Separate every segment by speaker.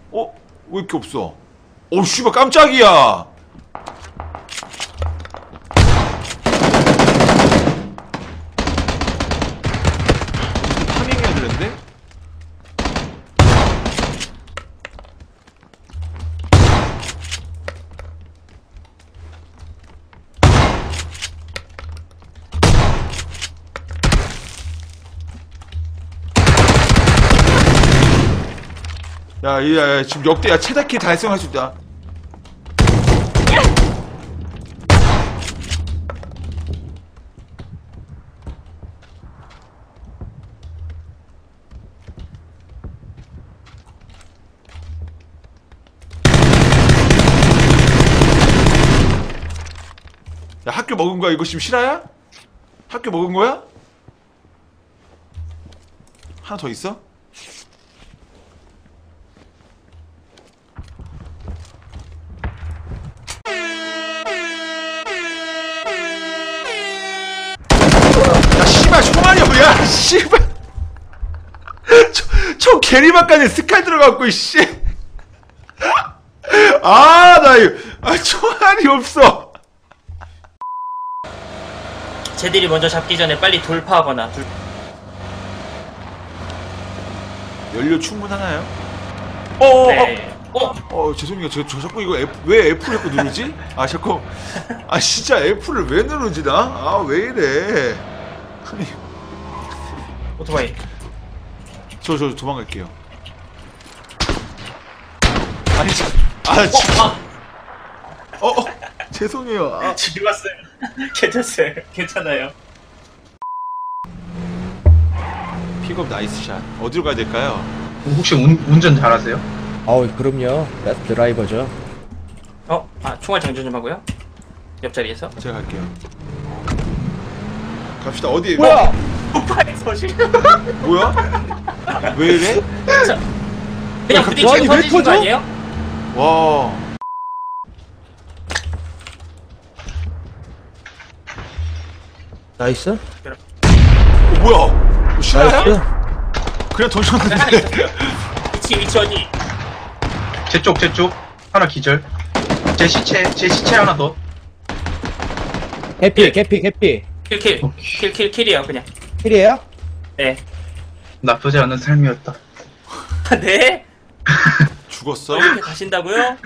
Speaker 1: 어? 왜 이렇게 없어? 오 씨발 깜짝이야. 파밍해야 되는데? 야, 지금 역대야 최다키 달성할 수 있다. 야, 학교 먹은 거야? 이거 지금 실화야? 학교 먹은 거야? 하나 더 있어? 야, 씨발, 총알이 뭐야? 씨발. 총 게리막간에 스칼 들어갔고, 씨. 총알이 없어.
Speaker 2: 쟤들이 먼저 잡기 전에 빨리 돌파하거나
Speaker 1: 연료 충분하나요?
Speaker 2: 네.
Speaker 1: 죄송해요. 저 자꾸 이거 왜 F를 자꾸 누르지? 진짜 F를 왜 누르지, 나? 왜 이래. 아니.
Speaker 2: 오토바이.
Speaker 1: 저 도망갈게요. 죄송해요.
Speaker 2: 죽었어요. 괜찮아요. 괜찮아요.
Speaker 1: 픽업 나이스 샷. 어디로 가야 될까요?
Speaker 3: 혹시 운전 잘하세요?
Speaker 4: 그럼요. 드라이버죠.
Speaker 2: 총알 장전 좀 하고요. 옆자리에서.
Speaker 1: 제가 갈게요. 갑시다. 어디?
Speaker 4: 뭐야?
Speaker 2: 오토바이 서실.
Speaker 1: 뭐야? 왜 이래?
Speaker 2: 그냥 부딪히고
Speaker 4: 아니, 왜
Speaker 2: 터지신 거
Speaker 4: 터져?
Speaker 2: 아니에요?
Speaker 1: 와.
Speaker 4: 나이스.
Speaker 1: 뭐야? 실화야?
Speaker 4: 나이스.
Speaker 1: 그냥 던졌는데.
Speaker 2: 위치 어디?
Speaker 3: 제 쪽 하나 기절. 제 시체 하나 더.
Speaker 4: 해피.
Speaker 2: 킬이에요 그냥.
Speaker 4: 킬이에요?
Speaker 2: 네.
Speaker 3: 나쁘지 않은 삶이었다.
Speaker 2: 네?
Speaker 1: 죽었어?
Speaker 2: 이렇게 가신다고요?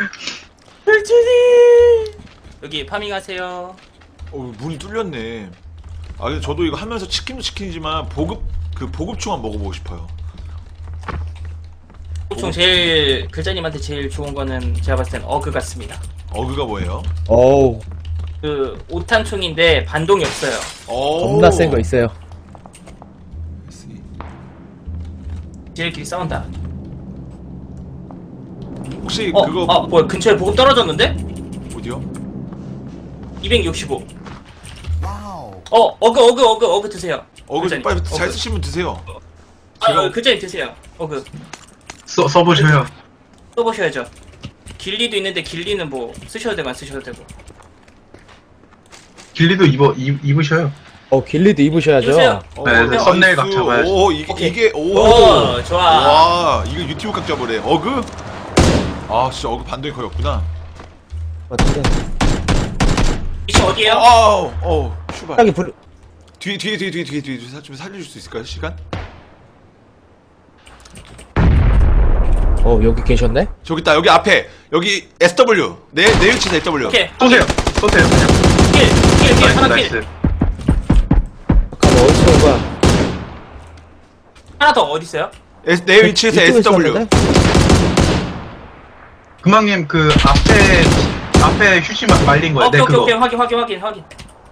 Speaker 2: 불준이 여기 파밍하세요.
Speaker 1: 문이 뚫렸네. 근데 저도 이거 하면서 치킨도 치킨이지만 보급충만 먹어보고 싶어요.
Speaker 2: 보통 제일 글자님한테 제일 좋은 거는 제가 봤을 땐 어그 같습니다.
Speaker 1: 어그가 뭐예요?
Speaker 4: 어우,
Speaker 2: 그 5탄 총인데 반동이 없어요.
Speaker 4: 겁나 센 거 있어요.
Speaker 2: 지들끼리 싸운다.
Speaker 1: 혹시 그거
Speaker 2: 뭐야 근처에 보급 떨어졌는데?
Speaker 1: 어디요?
Speaker 2: 265. 어그 드세요.
Speaker 1: 어그
Speaker 2: 글자님.
Speaker 1: 빨리 잘
Speaker 2: 어그.
Speaker 1: 쓰시면 드세요.
Speaker 2: 글자님 드세요. 어그
Speaker 3: 써보셔요.
Speaker 2: 써보셔야죠. 길리도 있는데 길리는 뭐 쓰셔도 되고 안 쓰셔도 되고.
Speaker 3: 길리도 입으셔요.
Speaker 4: 길리도 입으셔야죠.
Speaker 2: 입으세요.
Speaker 3: 네, 썸네일 각 잡아야지.
Speaker 1: 이게
Speaker 2: 좋아.
Speaker 1: 와, 이거 유튜브 각 잡으래. 어그? 진짜 어그 반동이 거의 없구나.
Speaker 4: 어떻게?
Speaker 2: 위치 어디에요?
Speaker 1: 슈발.
Speaker 4: 여기 불.
Speaker 1: 뒤에 좀 살려줄 수 있을까요? 시간?
Speaker 4: 여기 계셨네?
Speaker 1: 저기 있다. 여기 앞에. 여기 SW. 내 위치에서 SW.
Speaker 2: 오케이.
Speaker 3: 쏘세요.
Speaker 2: 킬 하나
Speaker 3: 나이스.
Speaker 2: 킬.
Speaker 4: 잠깐만, 어디서 온 거야?
Speaker 2: 하나 더 어디 있어요?
Speaker 1: 내 위치에서
Speaker 4: 이쪽에
Speaker 1: SW.
Speaker 4: 있었는데?
Speaker 3: 금왕님 그 앞에 휴지 말린 거예요.
Speaker 2: 오케이
Speaker 3: 네, 그거.
Speaker 2: 오케이 확인.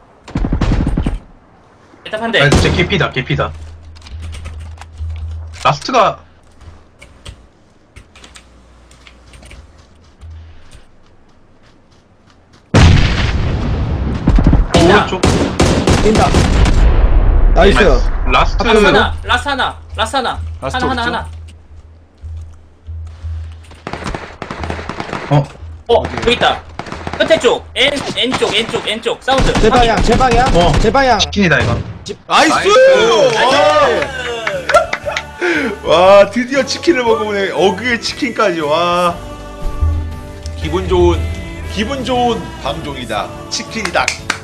Speaker 2: 일단 한 대.
Speaker 3: 아, 진짜 개피다. 라스트가 오른쪽.
Speaker 4: 뛴다. 나이스.
Speaker 3: 라스트
Speaker 2: 라스 하나.
Speaker 1: 라스트
Speaker 2: 하나. 여기 있다. 끝에 쪽. N쪽 사운드.
Speaker 4: 제 방향. 제 방향.
Speaker 3: 치킨이다 이거.
Speaker 1: 나이스! 와 드디어 치킨을 먹어보네. 어그의 치킨까지. 와 기분 좋은 방종이다. 치킨이다.